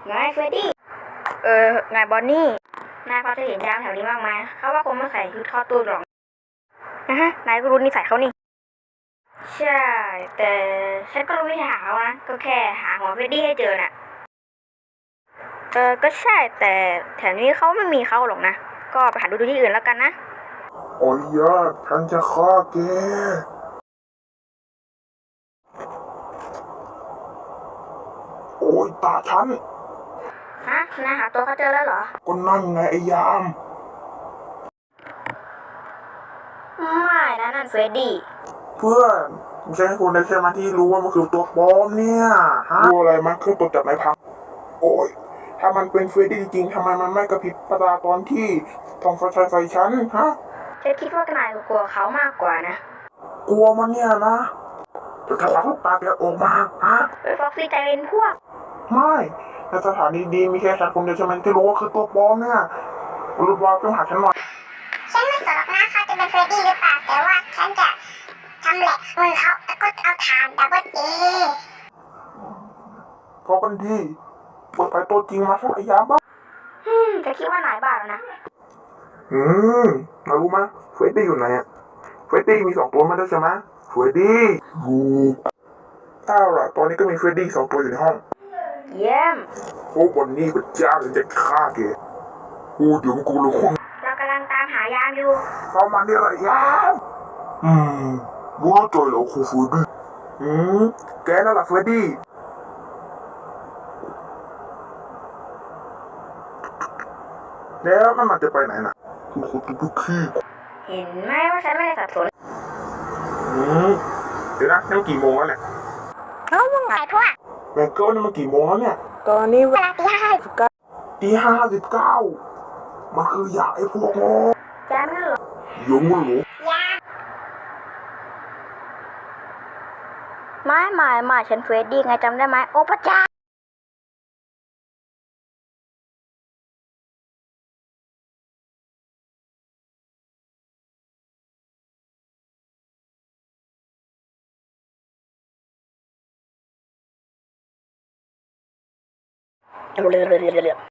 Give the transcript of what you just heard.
ไงเฟรดดี้ไงบอนนี่นายพอจะเห็นยามแถวนี้บ้างไหมเขาว่าคงไม่ใส่ชุดเข้าตู้หรอกนะฮะนายก็รู้นิสัยเขานี่ใช่แต่ฉันก็รู้วิธีหาเขานะก็แค่หาหัวเฟรดดี้ให้เจอน่ะก็ใช่แต่แถวนี้เขาไม่มีเขาหรอกนะก็ไปหาดูที่อื่นแล้วกันนะโอ้ยยอดฉันจะฆ่าแกโอ้ยตาฉันฮะนายหาตัวเขาเจอแล้วเหรอก็นั่นไงไอ้ยามไม่นะนั่นเฟรดดี้เพื่อนไม่ใช่คนในแค่มาที่รู้ว่ามันคือตัวปลอมเนี่ยฮะรู้อะไรมันคือตัวจับนายพังโอ้ยถ้ามันเป็นเฟรดดี้จริงๆทำไมมันไม่กระพริบตาตอนที่ทองฟ้าใส่ฉันฮะฉันคิดว่านายกลัวเขามากกว่านะกลัวมันเนี่ยนะจะถลกลูกตาแกออกมาฮะฟ็อกซี่ใจเป็นพวกไม่ในสถานีดีมีแค่ฉันคนเดียวใช่ไหมที่รู้ว่าคือตัวปลอมเนี่ยรูปว่าต้องหาฉันหน่อยฉันไม่สนหรอกนะเขาจะเป็นเฟรดดี้หรือเปล่าแต่ว่าฉันจะทำแหละมือเขาแล้วก็เอาฐานดับเบิลเอพอกันดีเปิดไปตัวจริงมาสักระยะบ้างจะคิดว่านายบ้าแล้วนะอืมเรารู้ไหมเฟรดดี้อยู่ไหนอะเฟรดดี้มี2 ตัวไม่ได้ใช่ไหมเฟรดดี้อยู่ถ้าล่ะตอนนี้ก็มีเฟรดดี้2 ตัวอยู่ในห้องเยี่ยมโอ้วันนี้พระเจ้าจะฆ่าแกโอ้เดี๋ยวกูรู้คนเรากำลังตามหายามอยู่เข้ามาเนี่ยอะไรยามรู้แล้วใจเหรอครูเฟรดดี้แกนั่นแหละเฟรดดี้แล้วมันจะไปไหนน่ะคุณคนตุ๊กขี้เห็นไหมว่าฉันไม่ได้สับสนเดี๋ยวนะนี่มันกี่โมงแล้วเนี่ยเขาว่าไงพวกแบงเกิลนี่มันกี่โมงแล้วเนี่ยตอนนี้เวลาตี 5:59มันคืออยากไอ้พวกโง่แกไม่หรอยังไม่รู้ไม่ฉันเฟรดดี้ไงจำได้ไหมโอ้พระเจ้าเร็ว